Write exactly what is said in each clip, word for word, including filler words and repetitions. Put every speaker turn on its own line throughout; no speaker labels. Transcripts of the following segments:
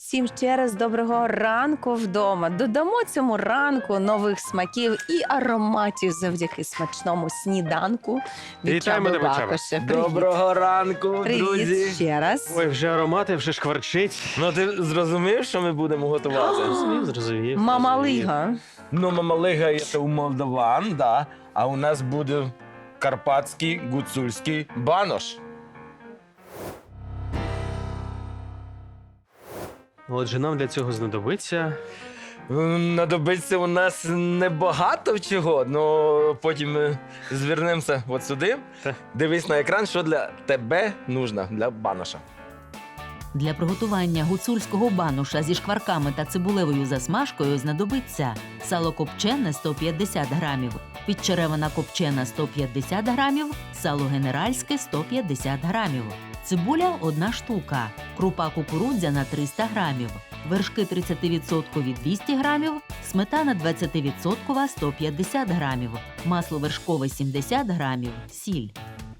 всім ще раз доброго ранку вдома. Додамо цьому ранку нових смаків і ароматів завдяки смачному сніданку від
Вітаємо
Чаби
тебе, Чаба.
Бакоша. Привіт.
Доброго ранку,
Привіт
друзі.
ще раз.
Ой, вже аромати, вже шкварчить.
Ну ти зрозумів, що ми будемо готувати?
Зрозумів, зрозумів.
Мамалига.
Ну, мамалига це у молдаван, да. А у нас буде карпатський гуцульський банош.
Отже, нам для цього знадобиться.
М, Надобиться у нас небагато чого, але потім ми звернемося от сюди.
Та.
Дивись на екран, що для тебе нужно, для баноша.
Для приготування гуцульського бануша зі шкварками та цибулевою засмажкою знадобиться сало копчене сто п'ятдесят грамів, підчеревина копчена сто п'ятдесят грамів, сало генеральське сто п'ятдесят грамів, цибуля – одна штука, крупа кукурудзяна триста грамів, вершки тридцять відсотків двісті грамів, сметана двадцять відсотків сто п'ятдесят грамів, масло вершкове сімдесят грамів, сіль.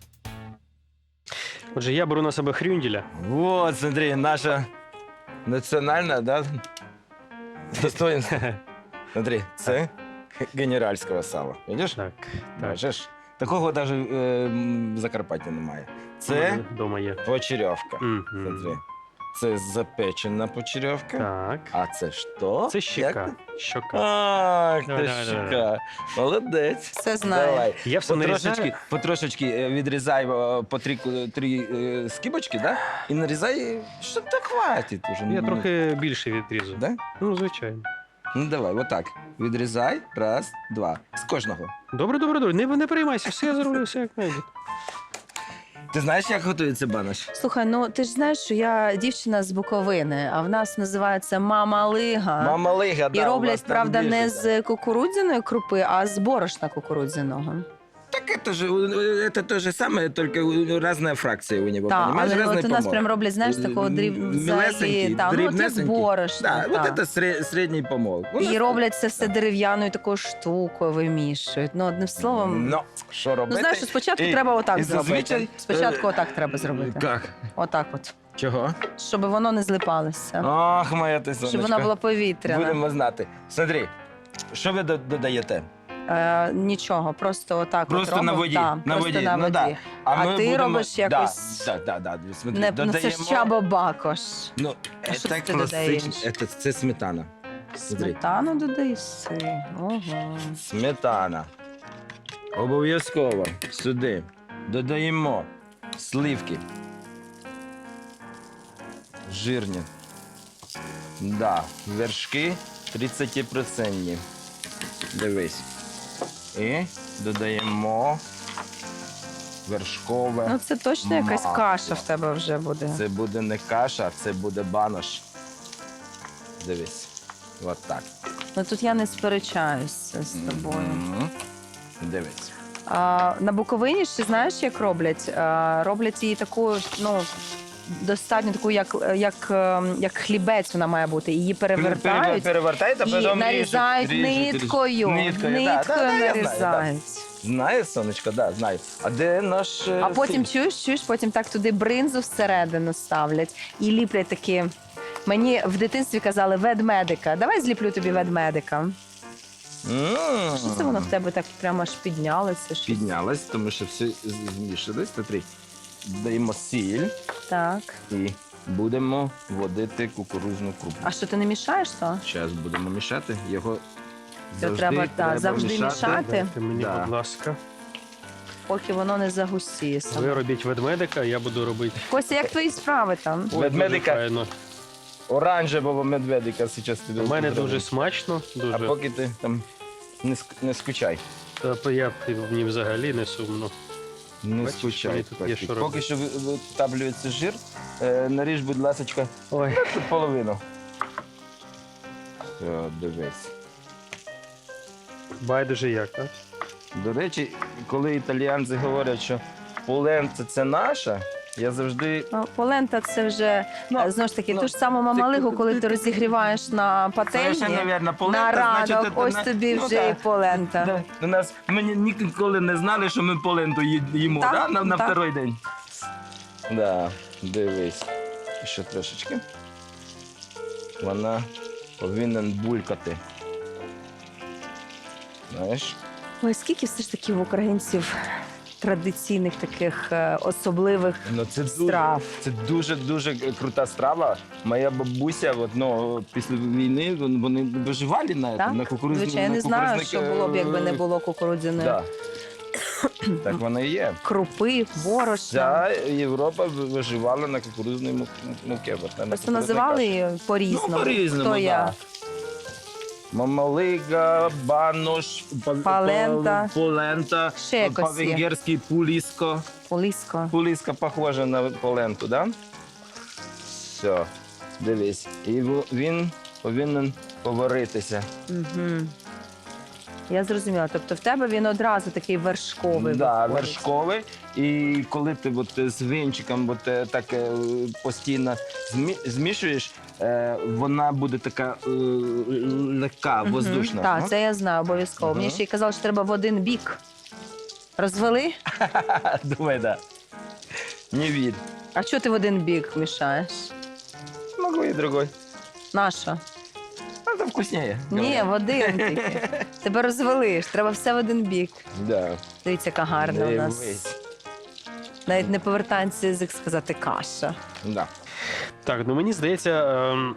Отже, я беру на себе хрюнділя.
Вот, смотри, наша національна, да, достоинство. Смотри, це генеральського сала. Видиш?
Так, так.
Бачиш? Такого навіть е, в Закарпатті немає. Це
Дома є.
почерьовка.
Мгм.
Смотри. Це запечена почерьовка.
Так.
А це що?
Це щека.
Як?
Щока.
Ах,
Давай,
ти
давай,
щека. Молодець.
Все знаю.
Давай.
Я все
Потрошечки,
нарізаю.
потрошечки е, відрізай е, по три, ку- три е, скибочки, да? І нарізай, що так хватить уже.
Я
Ну,
трохи більше відрізу.
Да?
Ну, звичайно.
Ну давай, отак. Відрізай. Раз, два. З кожного.
Добре, добре, добре. Не, не переймайся, все я зроблю, все як має бути.
Ти знаєш, як готується банош?
Слухай, ну ти ж знаєш, що я дівчина з Буковини, а в нас називається мамалига.
Мама Лига, да,
І
у вас
роблять,
там
правда,
більше,
не
да.
з кукурудзяної крупи, а з борошна кукурудзяного.
Так это же, э, это то же самое, только разная фракция у него,
Так,
понимаешь?
але
Разный
от у нас
помол.
прям роблять, знаєш, такого дріб...
Мілесенький,
взагалі, та, ну, от як
дрібнесенький.
борошна.
Да,
та.
вот это сре- средний помол. У нас-
І роблять це все дерев'яною такою штукою, вимішують. Ну, одним словом,
Ну, що
ну
робити?
знаєш, що спочатку
І-
треба отак
і
зробити.
зазвичай,
Спочатку
е,
отак треба зробити.
Как?
Отак от.
Чого?
Щоб воно не злипалося.
Ах, моя ти сонечко.
Щоб вона була повітряна.
Будемо знати. Смотри, що ви до- додаєте?
Е, нічого, просто отак
Просто
от
на
робимо.
воді,
Да,
на
просто
воді,
на
ну
воді.
да.
А
ми
ти
будемо...
робиш якось-
Да, да, да, да. Смотри,
Не, ну, це
додаємо...
ж Чаба Бакош.
Ну,
А що
це
ти додаєш?
класично. Це, це сметана. Смотри.
Сметану додаєси. Ого.
Сметана. Обов'язково сюди додаємо сливки. Жирні. Да, вершки тридцять відсотків. Дивись. І додаємо вершкове.
Ну це точно якась
Масло.
каша в тебе вже буде.
Це буде не каша, це буде банош. Дивись. От так.
Ну тут я не сперечаюся з тобою.
Мгм. Дивись.
А, на Буковині ще знаєш, як роблять? А, роблять її таку, ну, достатньо таку, як, як, ем, як хлібець вона має бути. Її перевертають
Перевертають, а
і
потім
нарізають
ріжуть, ріжуть,
ниткою.
ріжуть. Ниткою, да,
Ниткою
да, да, я знаю,
нарізають.
да. Знаю, сонечко, да, знаю. А де наш... е,
А потім
сіль?
чуєш, чуєш, потім так туди бринзу всередину ставлять і ліплять такі. Мені в дитинстві казали ведмедика. Давай зліплю тобі ведмедика.
М.
Що це воно в тебе так прямо аж піднялося? щось?
Піднялась, тому що все змішалось. Смотри, даємо сіль
Так.
і будемо водити кукурудзну крупу.
А що ти не мішаєш то?
Зараз будемо мішати. Його
Це
завжди
треба, так, завжди мішати.
Дайте мені,
Да.
будь ласка.
Поки воно не загустіє
Ви
саме.
робіть ведмедика, я буду робити.
Костя, як твої справи там?
Ой,
Ведмедика.
дуже файно.
Оранжевого медведика зараз тобі.
У мене
зроблю.
дуже смачно,
А
дуже.
поки ти там не, ск- не скучай.
Та я мені взагалі не сумно.
Не
Бачиш,
скучай.
мені тут є
Костік.
що
Поки
робити.
що ви- витаблюється жир, е, наріж, будь ласка,
Ой.
тут половину. Все, дивись.
Байдуже як, так?
До речі, коли італіянці говорять, що полента це наша, я завжди.
Ну, полента це вже
Ну,
е, знову ж таки
ну,
ту ж саму мамалигу,
ти-
коли
ти-
ти розігріваєш на пательні.
Совершенно полента,
На ранок,
значить, це
ось
на-
тобі
ну,
вже
да.
і полента.
Да. У нас ми ні- ніколи не знали, що ми поленту ї- їмо,
Так,
да? на, на
так.
второй день. Да, дивись. Ще трошечки. вона повинна булькати. Знаєш?
Ой, скільки все ж таки в українців традиційних таких е, особливих
Ну, це дуже,
страв.
це дуже дуже крута страва. Моя бабуся, от, ну, після війни вон- вони виживали на,
Так?
на кукурудзі.
Звичайно, я
на
не знаю,
кукурудзник,
що було б, якби не
е,
було кукурудзяної
Да. Так воно і є.
крупи, борошна.
Вся Європа ви- виживала на кукурудзній му- муки. от, на
Просто
кукурудзній
називали
каші.
її по-різному.
Ну, по-різному,
Хто
да.
я?
Мамалига, банош, па-
Палента.
па- полента,
Ще якось є.
по-венгерськи пуліско.
Полісько.
Пуліска похожа на поленту, да? Все, дивись. І во- він повинен поваритися.
Угу. Я зрозуміла. Тобто в тебе він одразу такий вершковий.
Да,
виходить.
вершковий. І коли ти от з вінчиком от, е, так е, постійно змі- змішуєш, е, вона буде така е, легка,
Мгм.
воздушна.
Так,
Ну?
це я знаю обов'язково.
Мгм.
Мені ще й казали, що треба в один бік. Розвели?
Думаю, да. Не вір.
А що ти в один бік мішаєш?
Могу і другой.
Наша?
А це вкусніше.
Ні, в один тільки. Тебе розвели ж, треба все в один бік.
Да.
Дивіться, яка гарна у нас.
Дивись.
Навіть не повертається язик сказати каша.
Да.
Так, ну мені здається, ем,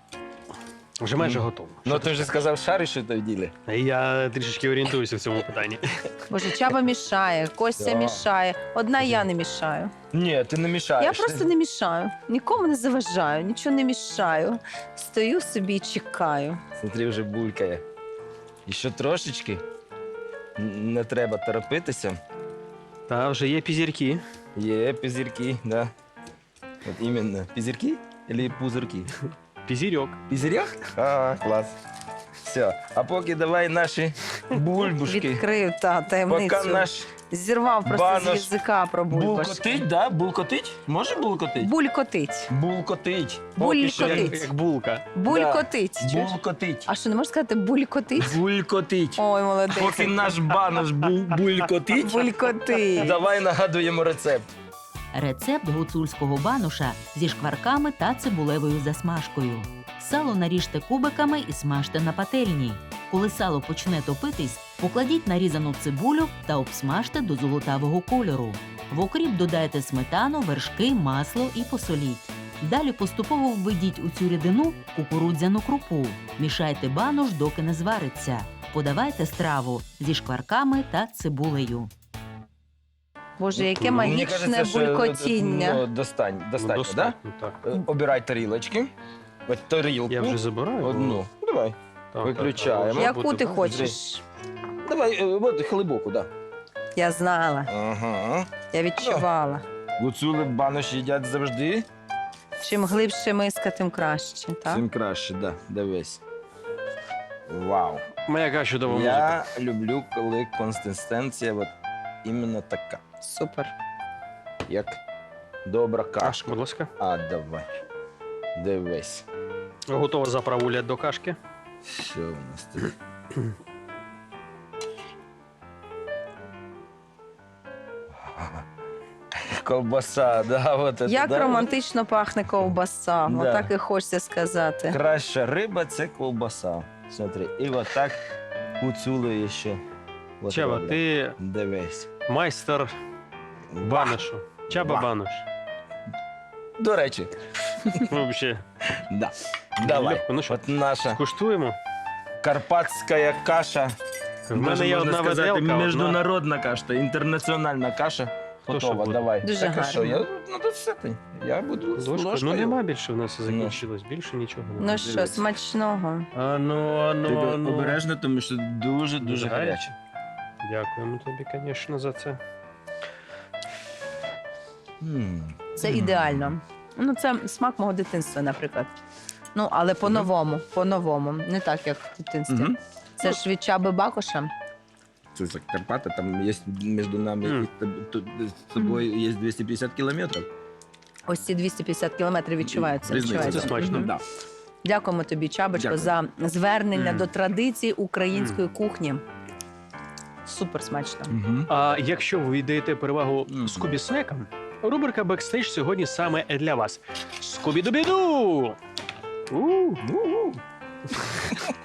вже майже готово.
Ну ти вже сказав, шариш що в ділі.
Я трішечки орієнтуюся в цьому питанні.
Боже, Чаба мішає, Костя
Да.
мішає. Одна я не мішаю.
Ні, ти не мішаєш.
Я просто не мішаю. Нікому не заважаю, нічого не мішаю. Стою собі і чекаю.
Смотри, вже булькає. І ще трошечки. Н- Не треба торопитися.
Та вже є пізірки.
Є пізірки, да. От іменно. Пізірки або пузирки?
Пізірьок.
Пізірьох? А, клас. Все. А поки давай наші бульбушки.
Відкрив та
Поки
таємницю.
наш
Зірвав просто
банош
з язика про бульбашки.
булкотить, да? Булкотить? Може булкотить?
Булькотить.
Булкотить.
Булькотить.
Поки що
Як, як булка.
Булькотить. Чуєш?
Булкотить.
А що, не можеш сказати булькотить?
Булькотить.
Ой, молодець.
Поки наш банош бу- булькотить,
Булькотить.
давай нагадуємо рецепт.
Рецепт гуцульського бануша зі шкварками та цибулевою засмажкою. Сало наріжте кубиками і смажте на пательні. Коли сало почне топитись, покладіть нарізану цибулю та обсмажте до золотавого кольору. В окріп додайте сметану, вершки, масло і посоліть. Далі поступово введіть у цю рідину кукурудзяну крупу. Мішайте банош, доки не звариться. Подавайте страву зі шкварками та цибулею.
Боже, яке
Мені
магічне
кажеться, що,
булькотіння.
Ну, достань,
Ну,
достатньо, да?
достатньо, так.
Е, Обирай тарілочки. От тарілку.
Я вже забираю. бо-
Одну. Давай.
Так,
Виключаємо.
так, так,
Яку ти
буде-
хочеш?
Давай, е, от глибоку, да.
Я знала,
Ага.
я відчувала.
Гуцули банош їдять завжди.
Чим глибше миска, тим краще, так?
Цим краще, да. Дивись. Вау.
Моя яка чудова музика.
Я люблю, коли консистенція от іменно така,
Супер.
як добра
Аж,
кашка.
будь ласка.
А, давай. Дивись.
Готова заправуля до кашки.
Що у нас тут? Ковбаса, да, от це,
Як
да?
романтично пахне ковбаса.
Да.
Отак і хочеться сказати.
Краща риба це ковбаса. Смотри, і от так гуцули ще. От
Чаба,
роблять.
ти
Дивись.
майстер баношу. Чаба
Ва.
банош.
До речі,
Взагалі.
да. Давай.
Легко. Ну що,
От наша
скуштуємо.
карпатська каша.
В мене є
Можна
одна
сказати,
виделка. одна-
міжнародна каша, інтернаціональна каша.
Хто що
Готова,
буде?
давай.
Дуже
так, а що,
гарно.
я, ну, тут все ти. Я буду з
Ложка.
ложкою.
Ну нема більше в нас закінчилось. Більше нічого немає.
Ну що,
Дивись.
смачного.
А ну, а ну,
Тільки
а ну.
обережно, тому що дуже-дуже
Дуже
гаряче.
гаряче. Дякуємо тобі, звісно, за це.
М.
Це
М.
ідеально. Ну, це смак мого дитинства, наприклад. Ну, але по-новому, по-новому. Не так, як в дитинстві.
Мгм.
Це ж від Чаби Бакоша.
Це за Карпати, там є між нами
Мгм.
і тоб- тут з тобою є двісті п'ятдесят кілометрів.
Ось ці двісті п'ятдесят кілометрів відчуваються.
Різниця,
відчуваються.
це смачно.
Мгм.
Да.
Дякуємо тобі, Чабочко,
Дякую.
за звернення
Мгм.
до традицій української кухні. Супер смачно.
Мгм.
А якщо ви віддаєте перевагу
Мгм.
скубі-снекам, рубрика «Бекстейдж» сьогодні саме для вас. Скубі-дубіду! У,
Ну,